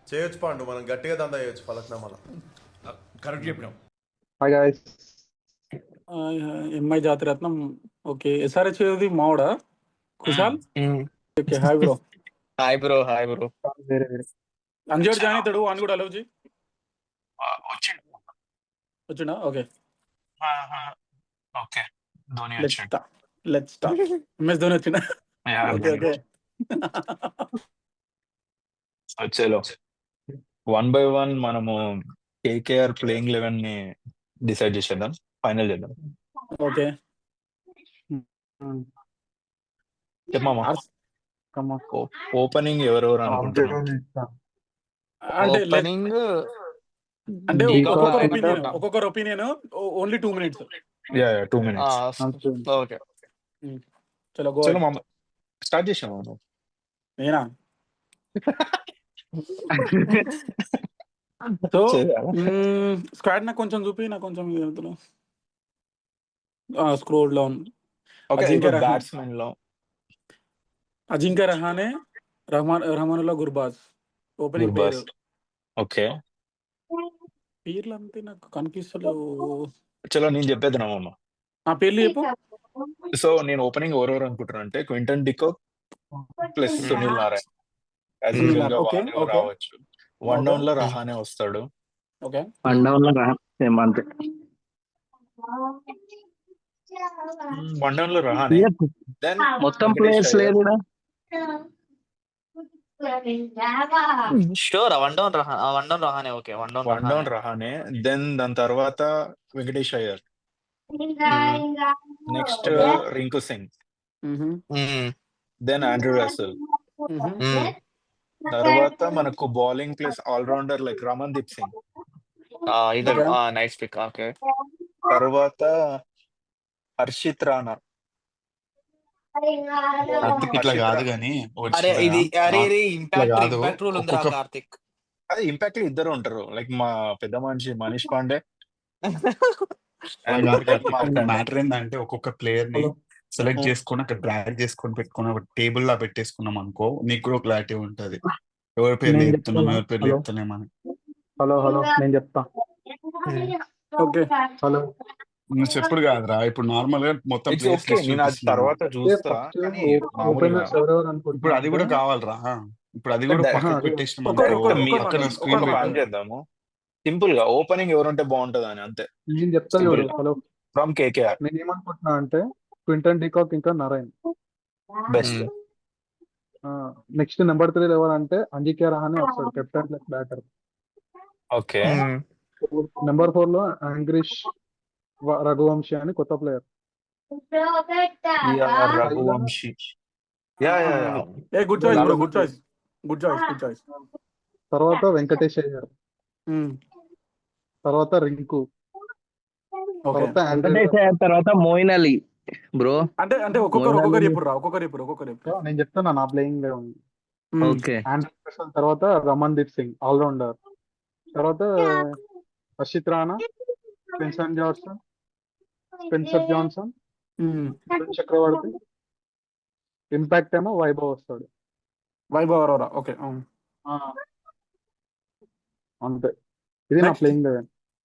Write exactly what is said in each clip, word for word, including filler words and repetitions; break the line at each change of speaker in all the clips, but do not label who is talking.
చేయొచ్చు పండు, మనం గట్టిగా దందా చేయొచ్చు ఫలక్నామాలో.
కరెక్ట్ చెప్పినాం.
Hi guys.
ఎంఐ జాతిరత్నం. ఓకే, ఎస్ఆర్హెచ్ ఏది మావాడా Kushal? Okay, hi bro.
Hi bro hi bro
వేరే వేరే
అంజోడు జాయిన్ అవుతాడు అని కూడా అలవ్ చేయి.
వచ్చిండు.
వచ్చిండా? ఓకే,
ఓకే ధోని
లెట్స్
వచ్చిండు.
Start let's start MS Dhoni వచ్చిండా?
Yeah,
okay okay.
సో చలో వన్ బై వన్ మనము కేకేఆర్ ప్లేయింగ్ లెవెన్ ని డిసైడ్ చేసేద్దాం, ఫైనల్ చేద్దాం.
ఓకే,
చెప్పమా ఓపెనింగ్ ఎవరెవరు అనుకుంటున్నాం?
అంటే let-
ఓపెనింగ్
అంటే
Decock
ఒక్కొక్కరు
అంటే
ఒపీనియన్ ఒక్కొక్కరు opinion only two minutes.
Yeah yeah two minutes. Okay
చలో గో.
చలో మామ స్టార్ట్ చేసాం మామ.
నేనా? సో స్క్వాడ్ నాకు కొంచెం చూపి, నాకు కొంచెం scroll down.
Okay
Ajinkya Rahane,
batsmen లో
అజింక్య రహానే, రహమాన్ రహమానుల్లా గుర్బాజ్ ఓపెనింగ్ పేరు.
గుర్బాజ్. ఓకే
పేర్లు అంతే నాకు కనిపిస్తలేవు.
చలో నేను చెప్పేద్దాం మామ.
ఆ పేర్లు చెప్పు.
సో నేను ఓపెనింగ్ ఎవరెవరు అనుకుంటున్నా అంటే Quinton de Kock plus Sunil Narayan. As
Sunil
usual గా
నారాయణ్, ఓకే,
వాళ్ళే
ఓకే.
రావచ్చు. వన్ డౌన్ లో రహానే వస్తాడు.
ఓకే,
వన్ డౌన్ లో సేమ్ అంతే.
వన్ డౌన్ లో రహానే. దెన్
మొత్తం ప్లేయర్స్ లేదు
షూర్ వన్ డౌన్ రహా one down Rahane. Okay, one down
one down Rahane. Then దాని తర్వాత Venkatesh Iyer. Next Rinku Singh. Then Andrew Russell. తర్వాత మనకు bowling plus all-rounder like Ramandeep Singh.
ఇది నైస్ పిక్. ఓకే,
తర్వాత హర్షిత్ రాణా.
కార్తిక్ ఇట్లా కాదు కానీ
అరే ఇది అరే ఇది ఇంపాక్ట్
కాదు.
ఇంపాక్ట్ రూల్ ఉందిరా
ఒక్కొక్క-
కార్తిక్.
అదే ఇంపాక్ట్ లో ఇద్దరు ఉంటారు. లైక్ మా పెద్ద మనిషి మనీష్ పాండే and మార్కండే.
మ్యాటర్ ఏంటంటే ఒక్కొక్క ప్లేయర్ ని సెలెక్ట్ చేసుకొని అక్కడ డ్రాగ్ చేసుకొని పెట్టుకుని ఒక టేబుల్ లా పెట్టేసుకున్నాం అనుకో, నీకు కూడా క్లారిటీ ఉంటది ఎవరి పేర్లు
నేను
చెప్తున్నాం
చెప్తున్నా.
ఎవరి పేర్లు
హలో.
చెప్తున్నామని.
హలో హలో నేను చెప్తా.
ఓకే.
హలో.
నువ్వు చెప్పుడు కాదురా, ఇప్పుడు నార్మల్ గా మొత్తం
It's
players
okay.
list
నేను అది
చూపిస్తున్నాను.
తర్వాత చూస్తా. కానీ మామూలుగా
ఓపెనర్స్ ఎవరెవరు
ఇప్పుడు అది కూడా
అనుకుంటున్నా
కావాలరా, ఇప్పుడు అది కూడా
But
పక్కకు
that-
పెట్టేసినాం
ఒక్కొక్కరు-
అనుకో,
ఒక్కొక్కరు-
మీ-
పక్కన
ఒక్కొక్కరు-
స్క్రీన్
ఒక
ఒక్కొక్కరు-
పని చేద్దాము. సింపుల్ గా ఓపెనింగ్ ఎవరుంటే బాగుంటది అని అంతే.
నేను చెప్తా
Simple.
చూడు. హలో.
ఫ్రమ్ కేకేఆర్
నేను ఏమనుకుంటున్నా అంటే క్వింటన్ డికాక్ ఇంకా Narayan.
Best.
Next number three ఎవరంటే అంజిక్య రహానే వస్తాడు, captain plus batter.
Okay
number four లో యాంగ్రిష్ వ- రఘువంశీ అని కొత్త ప్లేయర్.
Raghuvanshi. Yeah yeah yeah
a good choice bro, good choice, good choice, good choice.
తర్వాత వెంకటేష్ అయ్యర్. తర్వాత రింకు.
ఓకే,
తర్వాత ఆండ్రూ.
తర్వాత మోయిన్ అలీ బ్రో.
అంటే అంటే ఒక్కొక్కరు ఒక్కొక్కరు చెప్పుడు రా, ఒక్కొక్కరు చెప్పుడు ఒక్కొక్కరు చెప్పుడు.
నేను చెప్తున్నా నా ప్లేయింగ్ లో ఉంది.
ఓకే
ఆండ్రూ రసెల్ తర్వాత రమన్దీప్ సింగ్ ఆల్రౌండర్. తర్వాత Harshit Rana, Spencer Johnson Spencer Johnson Varun Chakravarthy. Impact ఏమో వైభవ్ వస్తాడు.
వైభవ్ అరోరా. ఓకే,
ఆ. అంతే, ఇది నా
Next.
Playing eleven.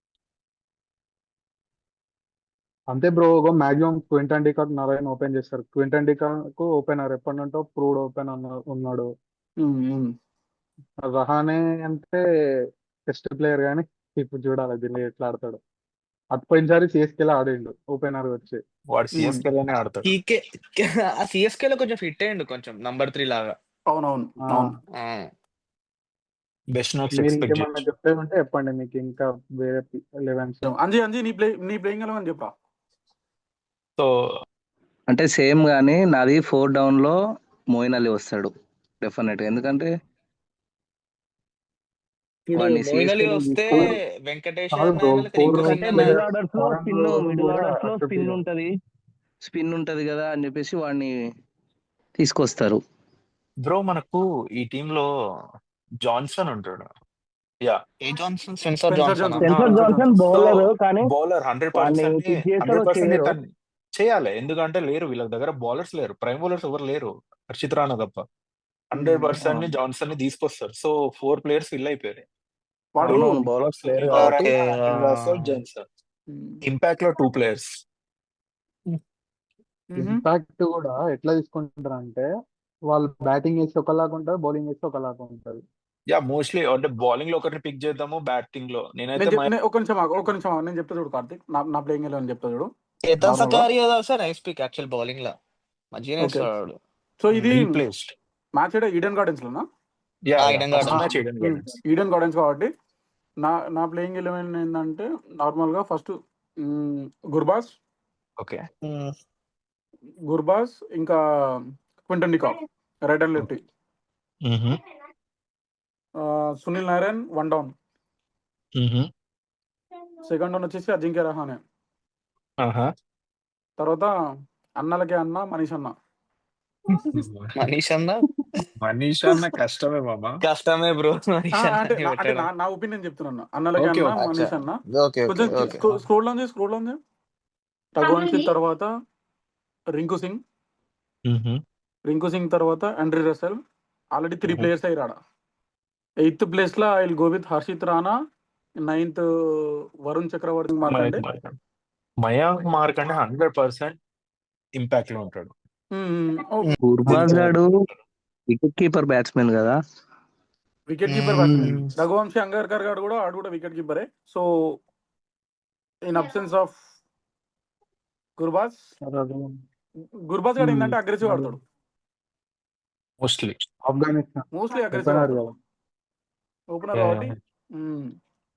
అంతే bro. Maximum Quinton de Kock Narayana open చేస్తారు. క్వింటన్ డికాక్ ఓపెనర్ ఎప్పటింటో ప్రూవ్డ్ ఓపెన్ ఉన్నాడు. రహానే అంటే టెస్ట్ ప్లేయర్ కానీ ఇప్పుడు చూడాలి దీన్ని ఎట్లా ఆడతాడు. అది పోయినసారి సిఎస్కేలో ఆడిండు ఓపెనర్ వచ్చి.
వాడు సిఎస్కే లోనే ఆడతాడు.
టీకే సిఎస్కే లో కొంచెం ఫిట్ అయ్యండు కొంచెం నంబర్ త్రీ లాగా.
అవునవును
ఆ,
అవును.
బెస్ట్ నోట్స్
మీరు
ఎక్స్పెక్ట్
ఇంకేమన్నా
చేయొచ్చు.
చెప్తే ఉంటే చెప్పండి, మీకు ఇంకా వేరే లెవెన్స్.
అంజీ అంజీ నీ ప్లే నీ ప్లేయింగ్ ఎలా అని చెప్పరా.
సో
అంటే సేమ్ గానీ నాది ఫోర్ డౌన్ లో మోయిన్ అలీ వస్తాడు డెఫినెట్ గా. ఎందుకంటే
ఇప్పుడు
వాడిని
మోయిన్ అలీ
CSK లో
వస్తే
తీసుకో-
వెంకటేష్
కాదు
అన్న
bro,
అయినా లేకపోతే
four
రింకు
rows
సింగ్
అంటే
అన్న
మిడిల్
player-
ఆర్డర్స్ లో
foreign
స్పిన్
లో
మిడిల్
కూడా
ఆర్డర్స్ లో
accept
స్పిన్
చేయాలి.
ఉంటది స్పిన్ ఉంటది కదా అని చెప్పేసి వాడిని తీసుకొస్తారు.
బ్రో మనకు ఈ టీమ్ లో జాన్సన్ ఉంటాడు. యా
ఏ Johnson Spencer
Spencer
Johnson
Johnson.
Spencer
Spencer
Johnson
Johnson.
Bowler కానీ
బౌలర్ హండ్రెడ్
వాడిని
పర్సెంట్
pick చేస్తారో
హండ్రెడ్ పర్సెంట్
చేయరో.
చేయాలి. ఎందుకంటే లేరు వీళ్ళ దగ్గర బౌలర్స్ లేరు, ప్రైమ్ బౌలర్స్ ఎవరు లేరు, హర్షిత్ రాణా తప్ప. హండ్రెడ్
ఉమ్,
పర్సెంట్ ని
అవును.
జాన్సన్ ని తీసుకొస్తారు. సో ఫోర్ ప్లేయర్స్ ఫిల్ అయిపోయారు.
వాడు
అవునవును బౌలర్స్ లేరు కాబట్టి
okay
Russell Johnson.
Um,
impact లో టూ ప్లేయర్స్.
మ్హూ.
ఇంపాక్ట్ కూడా ఎట్లా తీసుకుంటారు అంటే వాళ్ళు బ్యాటింగ్ వేస్తే ఒకలాగా ఉంటుంది, బౌలింగ్ వేస్తే ఒకలాగా ఉంటుంది.
యా మోస్ట్లీ అంటే బౌలింగ్ లో ఒకరిని పిక్ చేద్దాము, బ్యాటింగ్ లో నేనైతే
నేను చెప్
మై-
నే- ఒక నిమిషం ఆగు, ఒక నిమిషం ఆగు. నేను చెప్తా చూడు కార్తిక్, నా నా ప్లేయింగ్ ఎలా అని చెప్తా చూడు
చేతన్
నార్మల్ గా.
సకారి sir nice pick actual bowling లా మంచిగానే
ఓకే,
వేస్తాడు.
సో ఇది
రీప్లేస్డ్.
మ్యాచ్ ఏడా ఈడెన్ గార్డెన్స్ లోనా?
యా
ఆ,
yeah
Eden
first
Gardens.
Match Eden Gardens.
Eden Gardens కాబట్టి నా నా ప్లేయింగ్ ఎలెవెన్ ఏంటంటే నార్మల్గా ఫస్ట్ గుర్బాస్
ఓకే
గుర్బాస్ ఇంకా Quinton de Kock right and left, Sunil Narayan one down, second down వచ్చేసి అజింక్య రహానే, తర్వాత అన్నలకే అన్న మనీష్ అన్న.
మనీష్ అన్న
మనీష్ అన్న కష్టమే మామ.
కష్టమే బ్రో.
ఆ,
మనీష్ అన్న
అంటే
అని
నా- అంటే
పెట్టడం.
నా నా ఒపీనియన్ చెప్తున్నాను, అన్నలకే
ఓకే
అన్న
ఓకే.
అచ్చా
మనీష్ అన్న.
ఓకే ఓకే
కొంచెం
ఓకే.
స్క్రోల్ డౌన్ చేసి స్క్రోల్ డౌన్ చేసి రఘువంశ్ సింగ్ తర్వాత రింకు సింగ్, రింకు సింగ్ తర్వాత Andre Russell. Already three
Mhm.
Players అయ్యారు ఆడ. ఎయిత్ ప్లేస్ లో I will go with Harshit Rana, ninth Varun Chakravarthy Markande.
Mayank Markande. Mayank Markande hundred percent impact లో ఉంటాడు.
గుర్బాజ్ గాడు వికెట్ కీపర్ బ్యాట్స్మెన్ కదా.
Wicket keeper batsmen. Raghuvanshi Angkrish గారు కూడా ఆడు కూడా వికెట్ కీపరే. So in absence of Gurbaz, Gurbaz గారు ఏంటంటే అగ్రెసివ్ ఆడతాడు,
mostly
Afghanistan
mostly aggressive
opener
ఆడతాడు,
కదా.
ఓపెనర్ కాబట్టి. మ్మ్.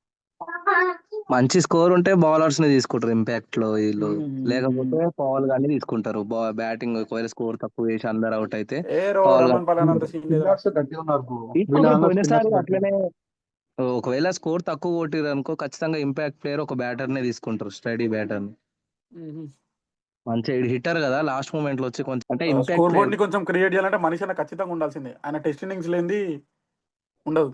మంచి స్కోర్ ఉంటే బౌలర్స్ ని తీసుకుంటారు ఇంపాక్ట్ లో వీళ్ళు,
మ్మ్.
లేకపోతే పవల్ గాని తీసుకుంటారు. బ్యాటింగ్ ఒకవేళ స్కోర్ తక్కువ వేసి అందరు అవుట్ అయితే
ఏ రో
పవల్
రమన్ పలాన్ అంత సీన్ లేదా?
స్పిన్నర్స్ గట్టిగా ఉన్నారు bro.
తీసుకుంటారు.
వీళ్ళ
పోయినసారి
స్పిన్నర్స్
అట్లనే ఒకవేళ స్కోర్ తక్కువ కొట్టిరు అనుకో ఖచ్చితంగా ఇంపాక్ట్ ప్లేయర్ ఒక బ్యాటర్ నే తీసుకుంటారు, స్టడీ బ్యాటర్ ని.
మ్మ్.
మంచి హిట్టర్ కదా, లాస్ట్ మూమెంట్ లో వచ్చి కొంచెం అంటే
స్కోర్
ఇంపాక్ట్
బోర్డ్ ని కొంచెం క్రియేట్ చేయాలంటే మనిషి అన్న ఖచ్చితంగా ఉండాల్సిందే. ఆయన టెస్ట్ ఇన్నింగ్స్ లేనిది ఉండదు.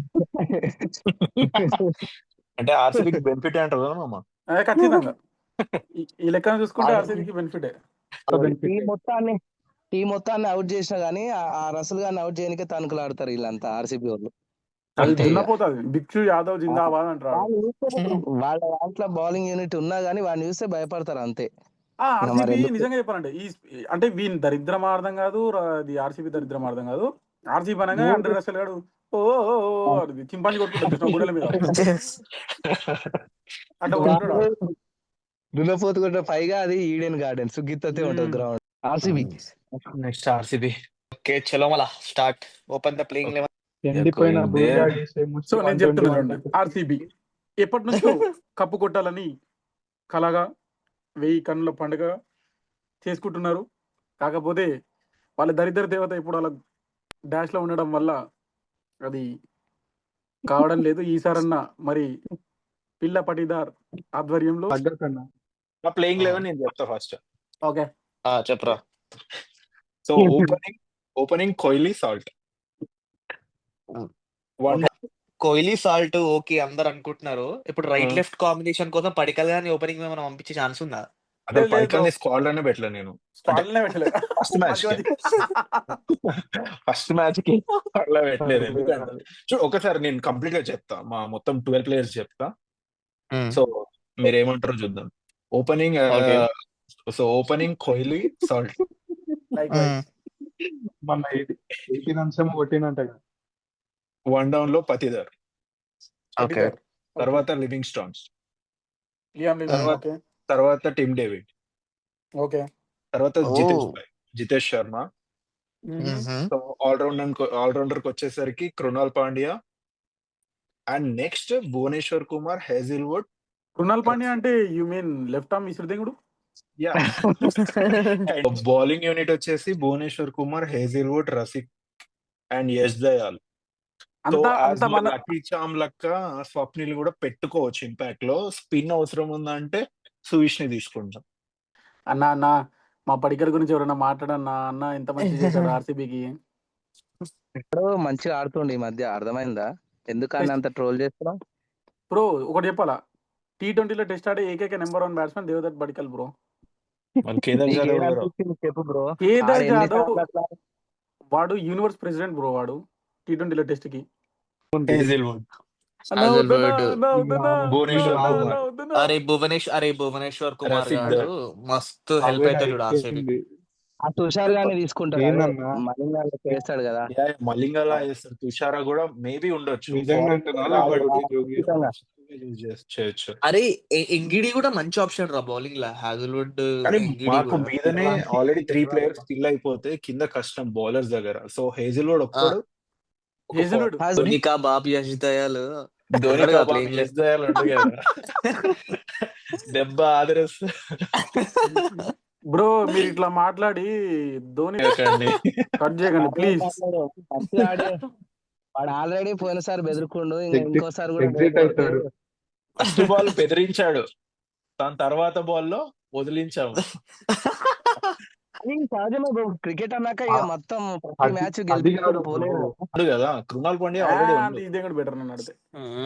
అంటే ఆర్సీబీకి బెనిఫిట్ అంటారు కదా మామ.
అదే ఖచ్చితంగా ఈ- ఈ లెక్కన చూసుకుంటే ఆర్సీబీకి బెనిఫిటే.
టీం మొత్తాన్ని టీం మొత్తాన్ని అవుట్ చేసినా గానీ ఆ- ఆ రసల్ గాన్ని అవుట్ చేయడానికి తణుకులు ఆడతారు వీళ్ళంతా ఆర్సీబీ వాళ్ళు.
అది
అంతే ఇక.
దున్నపోతుంది. బిక్షు యాదవ్ జిందాబాద్ అంటారు.
వాళ్ళు చూస్తే వాళ్ళ దాంట్లో బౌలింగ్ యూనిట్ ఉన్నా గానీ వాడిని చూస్తే భయపడతారు అంతే. మరి
ఆర్సీబీ
ఎందుకు?
నిజంగా చెప్పాలంటే ఈ అంటే వీని దరిద్రం అర్థం కాదు, రా- ఇది ఆర్సీబీ దరిద్రం అర్థం కాదు. ఆర్సీబీ అనగా అండ్రీ రసెల్ గాడు ఓ ఓ, ఓ, ఓ అది చింపాంజీ కొట్టుకుంటాడు కృష్ణ గుండెల మీద అట్లా కొట్టుకుంటాడు వాడు.
దున్నపోతు కూడా పైగా అది ఈడెన్ గార్డెన్స్ గిత్తతే ఉంటుంది
మ్మ్.
Ground. RCB
next RCB.
Okay చలో మళ్ళా start open the playing eleven.
ఎండిపోయిన
going
blue
there.
daddies ఏమో
సో నేను చెప్తున్నా చూడండి,
one twenty-one
ఆర్సీబీ ఎప్పటి నుంచో కప్పు కొట్టాలని కలగా వెయ్యి కన్నుల పండుగ చేసుకుంటున్నారు. కాకపోతే వాళ్ళ దరిద్ర దేవత ఇప్పుడు అలా డాష్ లో ఉండడం వల్ల అది కావడం లేదు. ఈసారన్న మరి పిల్ల పటిదార్ ఆధ్వర్యంలో.
తగ్గకన్నా
నా ప్లేయింగ్ లెవెన్ నేను చెప్తా ఫస్ట్.
ఓకే
చెప్పరా.
So opening opening Kohli Salt. One
Kohli Salt okay అందరు అనుకుంటున్నారు. ఇప్పుడు రైట్
Hmm.
లెఫ్ట్ కాంబినేషన్ కోసం పడికల్ గాని ఓపెనింగ్ మనం పంపించే ఛాన్స్ ఉందా?
అదే
లేదు, లేదు
పడికల్
bro.
స్క్వాడ్ లోనే పెట్టలే నేను.
స్క్వాడ్లనే పెట్టలేదు.
ఫస్ట్ మ్యాచ్
మంచి
ఫస్ట్ మ్యాచ్ కి అట్లా పెట్టలేదు. ఎందుకంటే చూడు ఒకసారి నేను కంప్లీట్ గా చెప్తా, మా మొత్తం ట్వెల్వ్ ప్లేయర్స్ చెప్తా. సో మీరు ఏమంటారో చూద్దాం. Opening
Okay.
So opening Kohli Salt.
Like wise
మన ఎయిటీ రన్స్ ఏమో కొట్టినంట కదా.
వన్ డౌన్ లో పతిదర్,
ఓకే
తర్వాత లివింగ్ స్టోన్స్,
లియామ్ లివింగ్.
తర్వాత-
ఓకే
తర్వాత టిమ్ డేవిడ్,
ఓకే
తర్వాత
Oh.
జితేష్ భాయ్ Jitesh Sharma. So allrounder allrounder కి వచ్చేసరికి Krunal Pandya and next Bhuvneshwar Kumar, Hazlewood.
Krunal Pandya అంటే యు మీన్ లెఫ్ట్ ఆర్మ్ విసురుదేంగుడు.
యా బౌలింగ్ యూనిట్ వచ్చేసి Bhuvneshwar Kumar, Hazlewood, Rasikh and Yash Dayal. So
అంతా అంత మన
లక్కీ చామ్ లక్క స్వప్నిల్ కూడా పెట్టుకోవచ్చు ఇంపాక్ట్ లో. స్పిన్ అవసరం ఉందంటే సుయిష్ ని తీసుకుంటాం.
అన్న అన్న మా పడికర్ గురించి ఎవరైనా మాట్లాడన్నా అన్న ఎంత మంచి చేశాడు ఆర్సీబీకి.
ఇప్పుడు మంచిగా ఆడుతుండే ఈ మధ్య, అర్థమైందా ఎందుకని అంత ట్రోల్ చేస్తున్నాం?
బ్రో ఒకటి చెప్పాలా, టీ ట్వంటీలో టెస్ట్ ఆడే ఏకైక number one batsmen Devdutt Padikkal bro.
మరి కేదార్
నీకు
జాదవ్
ఏం
ఎవరు?
అనిపించింది చెప్పు బ్రో.
కేదార్
ఆడు ఎన్ని
జాదవ్
సార్లు అట్లా
వాడు యూనివర్స్ ప్రెసిడెంట్ బ్రో వాడు టీ ట్వంటీలో టెస్ట్ కి
హేజిల్వుడ్
అన్నా వద్దన్నా,
Hazelwood.
అన్నా వద్దన్నా,
భువనేశ్వర్
అన్నా,
కుమార్.
అన్నా వద్దన్నా.
అరే భువనేష్ అరే భువనేశ్వర్ కుమార్
రసిక్
గాడు మస్తు హెల్ప్ అవుతాడు చూడు ఆర్సీబీ.
ఆ తుషార్ గాని తీసుకుంటాడు అదే
ఏందన్నా
మలింగాలో చేస్తాడు కదా
యా, యా, మలింగలా చేస్తారు. తుషారా కూడా మేబీ ఉండొచ్చు.
నిజంగా అంటున్నా లేకపోతే జోగి
ఖచ్చితంగా.
యూజ్ చేయొచ్చు.
అరే ఎ- ఎంగిడి కూడా మంచి ఆప్షన్ రా బౌలింగ్ లా హ్యాజల్వుడ్
కానీ
ఎంగిడి
మాకు
కూడా.
మీదనే ఆల్రెడీ త్రీ ప్లేయర్స్ ఫిల్ అయిపోతే కింద కష్టం బౌలర్స్ దగ్గర. సో హేజిల్వుడ్ ఒక్కడు ఒక
హేజల్వుడ్
హాజ్-
ధోనికా బాబ్ యశ్ దయాలు
ధోని
ఉన్నాడు కదా
కబాబ్
playing
చేసి దయాలు ఉండు కదా. దెబ్బ ఆదరస్
బ్రో మీరు ఇట్లా మాట్లాడి ధోని కట్ చేయకండి ప్లీజ్.
మంచిగా ఆడి వాడు ఆల్రెడీ పోయినసారి బెదిరికుండు ఇంకా
Exit-
ఇంకోసారి కూడా
exit
బెదిరికొడితే
అవుతాడు.
ఫస్ట్ బాల్ బెదిరించాడు, దాని తర్వాత బాల్లో వదిలించాము.
అది సహజమే బ్రో క్రికెట్ అన్నాక ఇక మొత్తం ప్రతి
అది-
మ్యాచ్
అది
గెలిపి
కాదు
పోలేదు
bro.
ఉండు కదా కృణాల్ పాండ్యా ఆల్రెడీ ఉండు.
ఇదే కూడా బెటర్ నన్ను అడితే.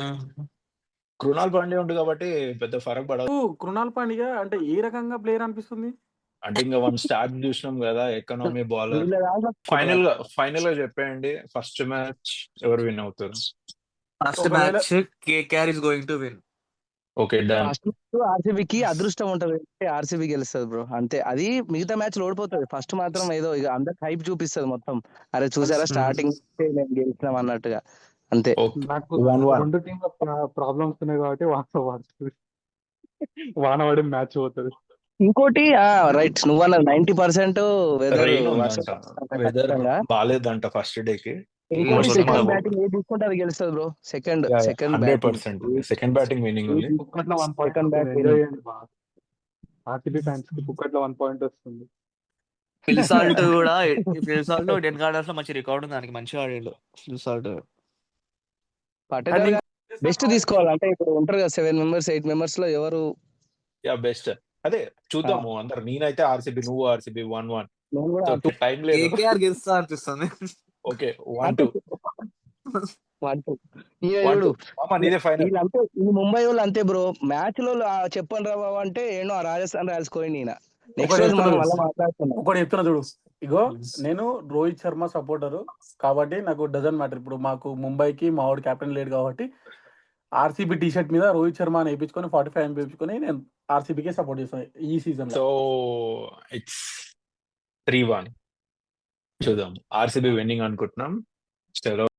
కృణాల్ పాండ్యా ఉండు కాబట్టి పెద్ద ఫరక్ పడదు.
కృణాల్ పాండ్యా అంటే ఏ రకంగా ప్లేయర్ అనిపిస్తుంది?
అంటే ఇంకా వన్ స్టార్ట్ చూసినాం కదా, ఎకనామీ బౌలర్.
వీళ్ళ దాంట్లో
ఫైనల్ గా ఫైనల్ గా చెప్పేయండి, ఫస్ట్ మ్యాచ్ ఎవరు విన్ అవుతారు?
ఫస్ట్
ఒకవేళ-
match KKR is going to win.
Okay done.
First ఆర్సీబీకి అదృష్టం ఉంటది ఆర్సీబీ గెలుస్తుంది బ్రో అంతే. అది మిగతా మ్యాచ్ ఓడిపోతుంది. ఫస్ట్ మాత్రం ఏదో ఇక అందరికి హైప్ చూపిస్తుంది మొత్తం. అరే చూసారా స్టార్టింగ్ మేము గెలిచినాం అన్నట్టుగా అంతే.
ఓకే
నాకు
One one.
రెండు టీంల ప్రాబ్లమ్స్ ఉన్నాయి కాబట్టి వాన పడుతుంది వాన పడి మ్యాచ్ పోతుంది.
ఇంకోటి రైట్ నువ్వన్న నైన్టీ పర్సెంట్ వెదర్
Rain ఉందంట, వెదర్ బాగాలేదంట ఫస్ట్ డే కి.
ఇంకోటి
Most
సెకండ్
of-
బ్యాటింగ్ ఏది తీసుకుంటే అది గెలుస్తుంది bro. Second second
hundred
batting
percent second batting winning ఉంది.
పుక్కట్లో one point
Second back
enjoy చేయండి బాగా. ఆర్సీబీ ఫ్యాన్స్ కి పుక్కట్లో వన్ పాయింట్ వస్తుంది.
ఫిల్సాల్ట్ కూడా ఫిల్సాల్ట్ డెన్ గార్డెన్స్ లో మంచి రికార్డ్ ఉంది, దానికి మంచిగా ఆడిండు ఫిల్సాల్ట్.
పట్టేదార్ బెస్ట్ తీసుకోవాలి అంటే ఇప్పుడు ఉంటారు కదా సెవెన్ మెంబర్స్ ఎయిట్ మెంబర్స్ లో ఎవరు
యా బెస్ట్. అదే చూద్దాము అందరు. నేనైతే ఆర్సీబీ, నువ్వు ఆర్సీబీ. వన్ వన్
నేను కూడా
టైం లేదు.
కేకేఆర్ గెలుస్తా అనిపిస్తుంది.
Okay one two
One, two. ఈ
వన్
చూడు
టూ మామ నీదే ఫైనల్.
వీళ్ళంతే ఈ ముంబై వాళ్ళు అంతే బ్రో. మ్యాచ్ లో ఆ చెప్పండి రా బాబు అంటే ఏమో ఆ రాజస్థాన్ రాయల్స్ కోయింది ఈయన. నెక్స్ట్ రోజు మనం మళ్ళీ మాట్లాడుతున్నాం.
ఒకటి చెప్తున్నా చూడు, ఇగో నేను రోహిత్ శర్మ సపోర్టర్ కాబట్టి నాకు డజన్ మ్యాటర్. ఇప్పుడు మాకు ముంబైకి మా వాడు కెప్టెన్ లేడు కాబట్టి ఆర్సీబీ టీ షర్ట్ మీద రోహిత్ శర్మ అని వేయించుకొని ఫార్టీ ఫైవ్ అని వేయించుకొని నేను ఆర్సీబీకే సపోర్ట్ చేస్తాను ఈ సీజన్ లో.
So it's three one. చూద్దాం. ఆర్సీబీ విన్నింగ్ అనుకుంటున్నాం. చలో